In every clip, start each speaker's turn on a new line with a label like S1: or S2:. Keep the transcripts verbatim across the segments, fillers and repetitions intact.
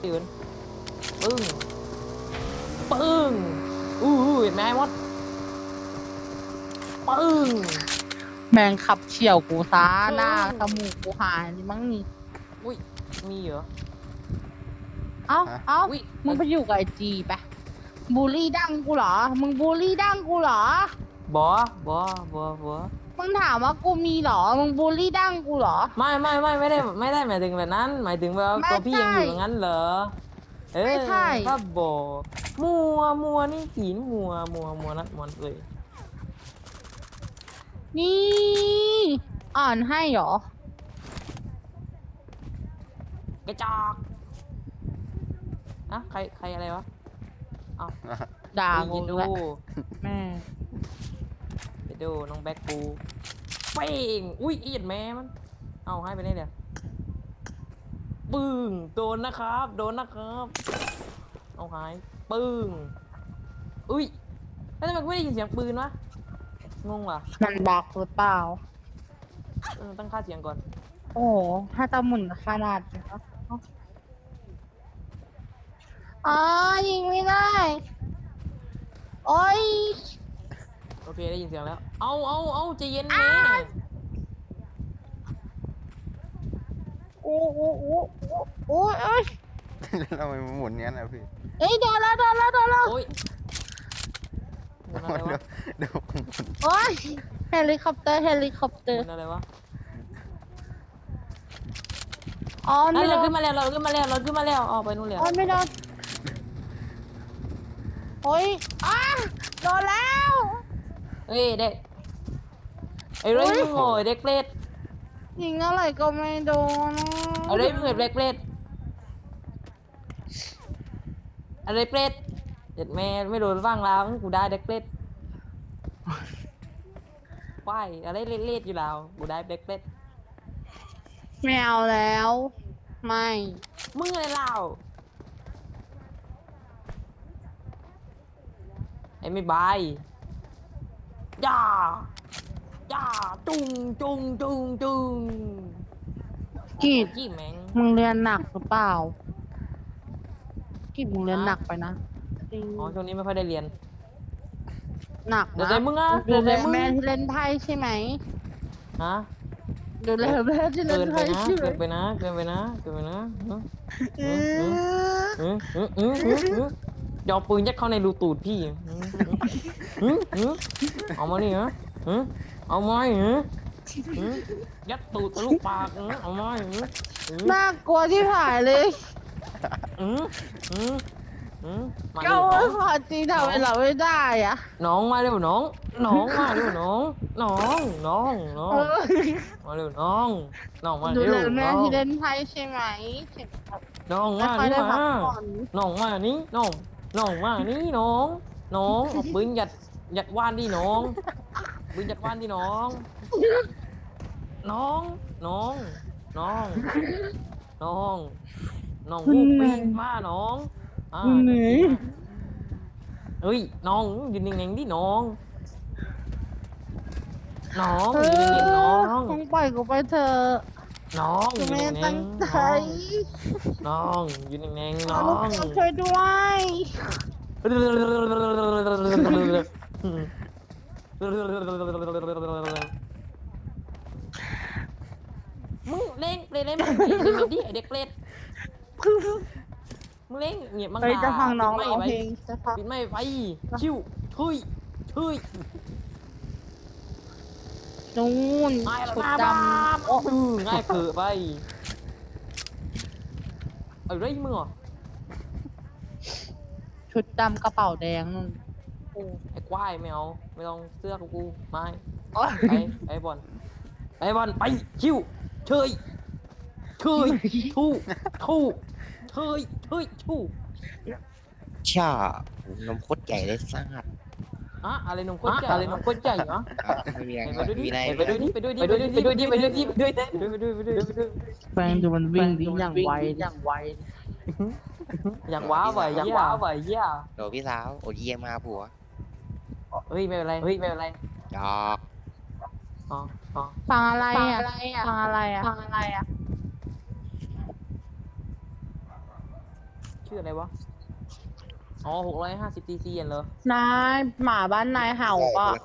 S1: ตื่นปึ้งปึ้งอู้เห็นไหมมดปึ้ง
S2: แมงขับเฉี่ยวกูซาหน้าสมูกกูหายนี่มั้งนี่
S1: อุ้ยมีเหรอ
S2: เอ้าเอ้า
S1: อุ้ย
S2: มึงไปอยู่กับไอจีไปบูลลี่ดังกูเหรอมึงบูลลี่ดังกูเหรอบ
S1: อบอบอบอ
S2: มึงถามว่ากูมีเหรอมึงบูลลี่ดังกูเหรอ
S1: ไม่ไม่ไม่ไม่ได้ไม่ได้หมายถึงแบบนั้นหมายถึงว่าตัวพี่ยังอยู่อย่างนั้นเหรอเออถ้าบอมัวมัวนี่ขีนมัวมัวมัวนัดมันเลย
S2: นี่อ่านให้เหรอก
S1: ระจอกอะใครใครอะไรวะเอา
S2: ด่า
S1: ยิ
S2: กู
S1: นดู
S2: ด้วยแม่
S1: ไปดูน้องแบ็คปูเป้งอุ้ยเอียดแม่มันเอาให้ไปได้เดี๋ยวปึ้งโดนนะครับโดนนะครับเอาหายปึ้งอุ้ยแล้วทำไมกูไม่ได้ยินเสียงปืนวะงงว่ะ
S2: มันบักหรือเปล่า
S1: เออตั้งค่าเสียงก่อน
S2: โอ้โหถ้าจะหมุนขนาดนี้เนอะอ๋อยิงไม่ได้โอ้ย
S1: โอเคได้ยินเสียงแล้วเอาเอาเอาใจเย็นแม่
S2: โอ้โอ้โอ้โอ้ยเอ้ย
S3: ทำไมมันหมุนงั้นนะพี่
S2: เอ้ยโดนแล้วโดนแล้วโดนแล้ว
S1: โอ้ยมันอะไร
S3: เดี๋ยว
S1: วะ
S3: เดี๋ยวหมุน
S2: โอ้ยเฮลิคอปเตอร์เฮลิคอปเตอร์
S1: มันอะไรวะ
S2: อ๋อ
S1: นั่
S2: ไม่
S1: น
S2: โด
S1: เรา
S2: น
S1: ขึ้นมาแล้วเราขึ้นมาแล้วเราขึ้นมาแล้วอ๋อไปนู่นแล้ว
S2: โอ้ยไม่โดนโอ้ยอ้าโดนแล้ว
S1: เฮ้ยเด็กไอ้เรื่องมึงโง่เด็กเปรต
S2: ยิงอะไรก็ไม่โดน
S1: ไอ้เรื่องมึงเด็กเปรตอะไรเปรตเด็ดแม่ไม่โดนว่างลาวกูได้เด็กเปรตว่ายอะไรเล็ดๆอยู่แล้วกูได้เด็กเปรต
S2: ไม่เอาแล้วไม่
S1: มึงอะไรเล่าไอ้ไม่บายย่าย่าจุงจุงจุงจุง
S2: กีด
S1: จี้แมง
S2: มึงเรียนหนักหรือเปล่ากีดมึงเรียนหนักไปนะจริง
S1: อ๋อช่วงนี้ไม่ค่อยได้เรียน
S2: หนัก
S1: เดี๋ยว
S2: นะ
S1: ใจมึงอ่ะ
S2: ดู
S1: เดี๋ยว
S2: แล
S1: ใจมึง
S2: แม่ที่เล่นไพ่ใช่ไหม
S1: ฮะ
S2: ดูแลแม่ที่เล่
S1: เกิ
S2: น
S1: นไป
S2: ไพ่
S1: นะ
S2: ใช่ไหม
S1: เกินไปนะเกินไปนะเกินไปนะ
S2: เอ
S1: อืมอืม
S2: อ
S1: อืมอืมอืมอืมยอมปืนยัดเข้าในรูตูดพี่อืมอืมอืมเอามานี่ฮะอืมเอามาเหรออืมยัดตูดทะลุปากอืมเอามาเหรออืม
S2: น่ากลัวที่ผ่ายเลย
S1: อืมอืมอืมมา
S2: ก็
S1: เร็วน้
S2: ว่า
S1: อง
S2: พอจริงทำไมเราไม่ได้อะ
S1: น้องมาเร็วน้องน้องมาเร็วน้องน้องน้องน้อ
S2: เอง อ
S1: มาเร็วน้องน้องมา
S2: ดู
S1: เร็ว
S2: แลแม่
S1: น้อง
S2: ที่เล่นไพ่ใช่ไหม
S1: น้อง
S2: ไม่
S1: มา
S2: ค่อย
S1: นี่
S2: ได้พั
S1: มาก
S2: ผ่อน
S1: น้องมานี่น้องน้องมานี่น้องน้องเอาปืนยัดยัดว่านดิน้องปืนยัดว่านดิน้องน้องน้องน้องน้องน้องมูปีนมาน้องอ่า
S2: เหนื่อย
S1: เฮ้ยน้องยืนนิ่งๆดิน้องน้อง
S2: เอ
S1: ยืนนิ่งๆน้อง
S2: ต้องปล่อยกูไปเถอะ
S1: น้อง
S2: กู
S1: ยืน
S2: ไม่
S1: นิ่
S2: ได้
S1: ง
S2: ตั้ง
S1: ๆ
S2: ใจ
S1: น้องยืนนิ่งๆน้อ
S2: ลูก
S1: ง
S2: สาวช่วยด้วย
S1: มึงเล่งเปรตเล่นมึงเล่นแบบนี้ไอเด็กเปรตมึงเล่งเงียบมัง
S2: เฮ้ยจะฟังน้อง
S1: ไม่
S2: ร้อง
S1: ไป
S2: เพลงจะฟัง
S1: ปิดไม่ไปชิวทุยทุย
S2: นู่น
S1: ง่ายแล้ว
S2: ชุด
S1: มา
S2: ด
S1: บ้า
S2: ำ
S1: โอ้ง่ายเกิดไปเอาไรมึงอ่ะ
S2: ชุดดำกระเป๋าแดงนู่น
S1: ไอ้ควายไม่เอาไม่ต้องเสื้อกูกูไม่
S2: โอ๊ย
S1: ไปไอ้บอลไอ้บอลไปชิวเชยเชยทู่ทู่เชยเชยทู่
S4: ช่านมโคตรใหญ่เลยซ่าด
S1: อะอะไรนมข้นใหญ่อะไรนมข้นใหญ่เหรอ
S4: ไม่มีอะไร
S1: ไปดูดิ
S4: มีอะไร
S1: ไปดูดิไปดูดิไปดูดิไปดูดิไปดูดิไปดูดิไปดูดิไปดูดิไปดูดิ
S2: แฟนดูมันวิ่งดิอย่างไวอย่างไว
S1: อย่างว้าไหวอย่างว้าไหวเยี่ย
S4: โดพี่สาวโอเยี่ยมาผัว
S1: เฮ้ยไม่เป็นไรเฮ้ยไม่เป็นไร
S4: จอก
S1: อ๋ออ๋อ
S2: ฟังอะไรอ่ะฟังอะไรอ่ะฟังอะไรอ่ะ
S1: ชื่ออะไรวะอ๋อหกร้อยห้าสิบซีซีเหรอน
S2: ายหมาบ้านนายเห่า
S4: ใช่
S2: ปะ
S4: คนละคน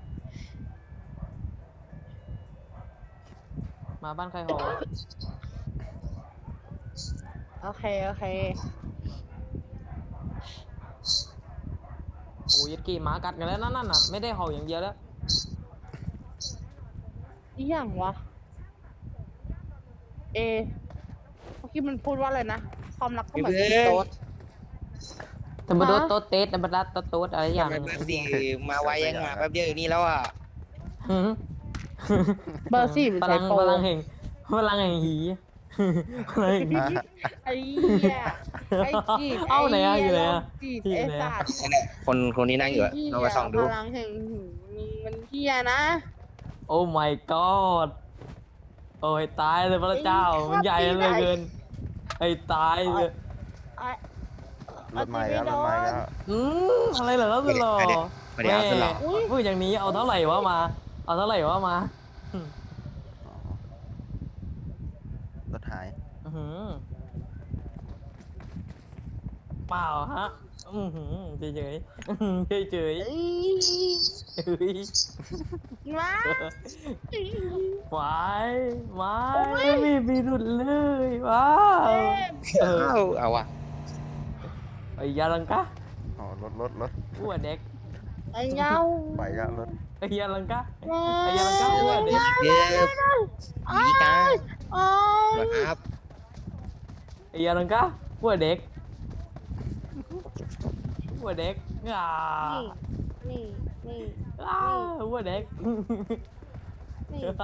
S1: มาบ้านใครหอ
S2: โอเคโอเค
S1: โอ้ยดกี่หมากัดกันแล้วนั่นน่ะไม่ได้เห่าอย่างเดียวแล้ว
S2: นี่อย่างวะ เอเมื่อกี้มันพูดว่าอะไรนะ ความรักก็เหมือนกินโต๊ด
S1: แต่มาโดน
S2: ฮะ
S1: โต๊ดเตสแต่มาดัดโต๊ดโต๊ดอะไรอย่าง
S4: ทำไมเบอร์สี่มาไวยังมาแป๊บเดียวอยู่นี่แล้วอ่ะ
S1: หืม
S2: เบอร์สี่มัน
S1: พ
S2: ใช้
S1: ลัง
S2: โปร
S1: พลังแห่งพลังแห่งหีพลังแห่งหี
S2: ไอ้เหี้ยไอ้จีบ
S1: เอ้าไหนอะ
S2: ไ
S1: อยู่ไหนอะ
S2: จีบ
S1: อยู่
S2: ไอ้
S1: ไหนอะ
S2: สัตว์
S4: นั่นแหละคนคนที่นั่งอยู่อะ
S2: ไเหี้
S4: ลองไปส่องดู
S2: พลังแห่งหืมมันเหี้ยนะ
S1: โอ้ my god โอ้ยตายเลยพระเจ้า
S2: ไอ้
S1: มันใหญ่เหลย
S2: ชอบตีไหน
S1: เกินไอ้ตายเลย
S2: ไอ้
S3: รถใหม่แล้วรถใหม่แล้ว
S1: อืมอะไรเหรอสุดหล่อ
S4: ไม่ได้เอาสุดหล่อ
S1: แม่พูดอย่างนี้เอาเท่าไหร่วะมา เอาเท่าไหร่วะมา
S3: อ๋อรถหาย
S1: อื้อหือเปล่าฮะอือหือเฉยเฉยเฉยเฉย
S2: เอ้ย
S1: ๆเฮ้ย
S2: มา
S1: หวายหวายไม่มีพิรุษเลยว้าวเออ
S4: เอาเอาว่ะ
S1: ไอ้ยาลังกะ
S3: อ๋อรถรถรถ
S1: อ้วนเด็ก
S2: ไอ้เงา
S3: ไปแล้วรถ
S1: ไอ้ยาลังกะ
S2: ไอ้
S1: ไอ้ยาลังกะอ้วนเด็ก
S4: เย็บผีกา
S2: โอ้ย
S4: นะครับ
S1: ไอ้ยาลังกะอ้วนเด็กอ้วนเด็กอ่า
S2: นี่นี่
S1: อ่าอ้วนเด็ก
S2: นี่นี่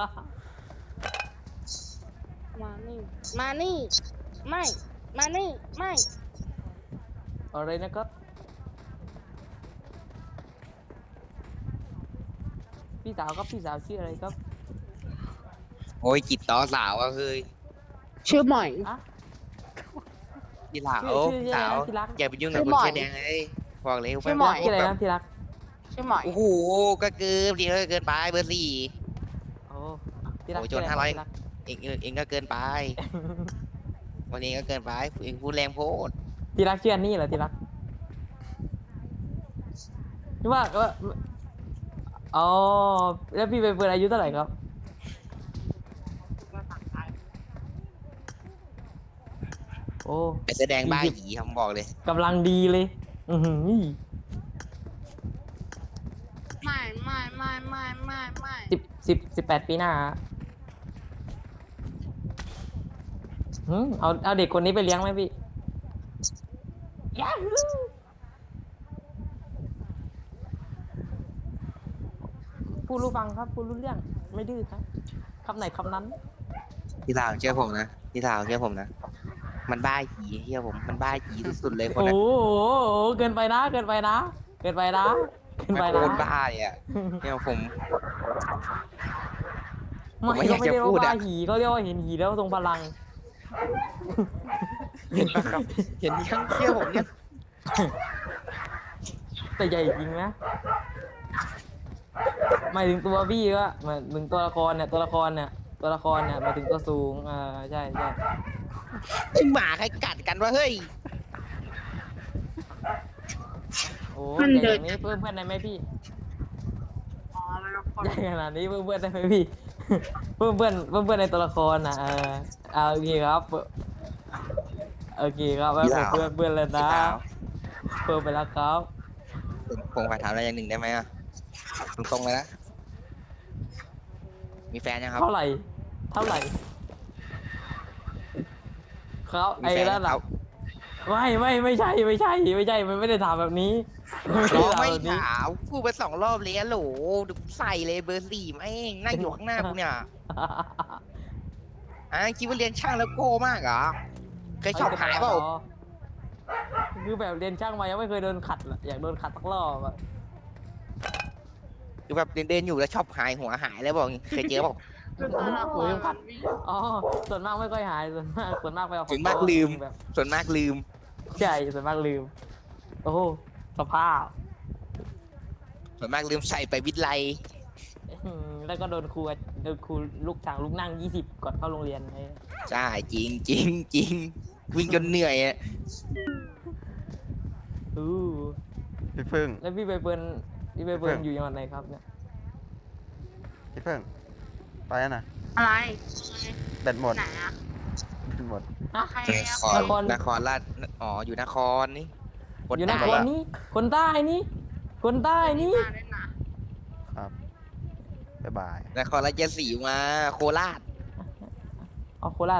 S2: มานี่มานี่ไม่มานี่ไม่
S1: อะไรนะครับพี่สาวครับพี่สาวชื่ออะไรครับ
S4: โอ้ยจิตต่อสาวก็คือ
S2: ชื่อหมอย
S1: อะ
S4: พี่สาว
S1: ชื่อชื่อ
S4: พี่สาว
S1: ที่รัก
S4: อย่าไปยุ่งกับ
S2: ชื่
S4: ค
S2: อน หมอย
S4: เสื้อแดงเลยบอกเลย
S2: ชื่อหมอย
S1: ชื่ออะไร
S4: แบบ
S1: นะที่รัก
S2: ชื่อหมอย
S4: โอ้โหก็เกินดีก็เกินไปเบอร์สี่
S1: โอ้ที่รัก
S4: โอ้ย
S1: ชื่ะไ
S4: โจรห้าร้อย
S1: ที่รัก
S4: เองเองเองก็เกินไปวันนี้ก็เกินไปเองพูดแรงโพด
S1: ที่รักชื่ออันนี่เหรอที่รักที่ว่าว่าอ๋อแล้วพี่ไปเปิดอายุเท่าไหร่ครับ โอ้
S4: ไอเสื้อแดงบ้าหยีคำบอกเลย
S1: กำลังดีเลย อือหือ
S2: ไม่ไม่ไม่ไม่ไม่ไม่
S1: สิบสิบสิบแปดปีหน้าฮะหืมเอาเอาเด็กคนนี้ไปเลี้ยงไหมพี่ยาฮูพูดรู้ฟังครับพูดรู้เรื่องไม่ดื้อครับคำไหนคำนั้น
S4: พี่สาวเชื่อผมนะพี่สาวเชื่อผมนะมันบ้าหยีเชื่อผมมันบ้าหยีสุดๆเลยคน
S1: โอ้
S4: นั้น
S1: โหเกินไปนะ เกินไปนะ เกินไปนะ เกิน
S4: ไม่
S1: ไป
S4: โค
S1: นะ
S4: ตรบ้าเลยอ่ะเนี่ยผม ผมไม่
S1: ไม่
S4: อยาก
S1: เขาไม่
S4: จะ
S1: เรียก
S4: พู
S1: ว่า
S4: ดอะ
S1: บ้าหีเขาเรียกว่าเห็นหีแล้วทรงพลัง
S4: เห็นปะครับ เห็นยังเชื่อผมเนี่ย
S1: แต่ใหญ่จริงนะหมายถึงตัวพี่ก็หมายถึงตัวละครเนี่ยตัวละครเนี่ยตัวละครเนี่ยหมายถึงตัวสูงอ่าใช่ใช่
S4: ซึ่งหมาใครกัดกันวะเฮ้ย
S1: โอ้ใหญ่อย่างนี้เพื่อนเพื่อนได้ไหมพี่
S2: อ๋อมันละคร
S1: ใหญ่ขนาดนี้เพื่อนเพื่อนได้ไหมพี่ เพื่อนเพื่อนเพื่อนเพื่อนในตัวละครนะเออเอาโอเคครับโอเคครับแล้ว
S4: พี่สาว
S1: เพื่อนเพื่อนเลย
S4: พี่
S1: นะ
S4: สาว
S1: เพิ่มไปแล้วครับ
S4: ผมผมขอถามอะไรอย่างหนึ่งได้ไหมอ่ะตรงๆเลยนะมีแฟนยังครับ
S1: เท่าไหร่ เท่าไหร่เขา
S4: มี
S1: ไอ้
S4: แฟน
S1: นั่น
S4: ค
S1: น่ะ
S4: รับ
S1: ไม่ไม่ไม่ใช่ไม่ใช่ไม่ใช่มันไม่ได้ถามแบบนี้
S4: น้อง
S1: ด้
S4: ไม่
S1: ถาแบบนี้
S4: ถามพูดไปสองรอบเลยอะโหลดูใส่เลยเบอร์สี่แม่งนั่งอยู่ข้างหน้ากูเนี่ยอ่ะคิดว่าเรียนช่างแล้วโก้มากเหรอเคยชอบหายเปล่า
S1: คือแบบเรียนช่างมายังไม่เคยโดนขัดอะอยากโดนขัดสักรอบอะ
S4: คือแบบเดินๆอยู่แล้วชอบหายหัวหายแล้วบอกเคยเจอเปล่า
S2: คือตัวละครมันมี
S1: อ๋อส่วนมากไม่ค่อยหายส่วนมากส่วนมากไปเอาของ
S4: ส่วนมากลืม
S1: แบบ
S4: ส่วนมากลืม
S1: ใช่ส่วนมากลืม โอ้โหสภาพ
S4: ส่วนมากลืมใส่ไปวิทย์ไล
S1: อืมแล้วก็โดนครูโดนครูลูกสั่งลูกนั่งยี่สิบก่อนเข้าโรงเรียนไอ้
S4: ใช่จริงจริงจริงวิ่งจนเหนื่อยอะ
S1: อู้
S3: พี่พึ่ง
S1: แล้วพี่ใบเฟิร์นพี่ใบเฟิร์น
S3: เพิ่ง
S1: อยู่จังหวัดไหนครับเนี่ย
S3: พี่พึ่งไปแล้วนะ
S2: อะไร
S3: แบตหมด
S2: ไหนอะ
S3: แบตหมด
S2: ใคร
S4: น
S2: อะ
S4: คร
S1: นคร
S4: นครราชอ๋ออยู่นครนี่คน
S1: อยู่น
S4: ใต้
S1: ครนี้คนใต้นี่คนใต้นี่
S2: มาเล่นนะครับ
S3: บ๊ายบาย
S4: นครราชสีมาโคราช
S1: เอาโคราช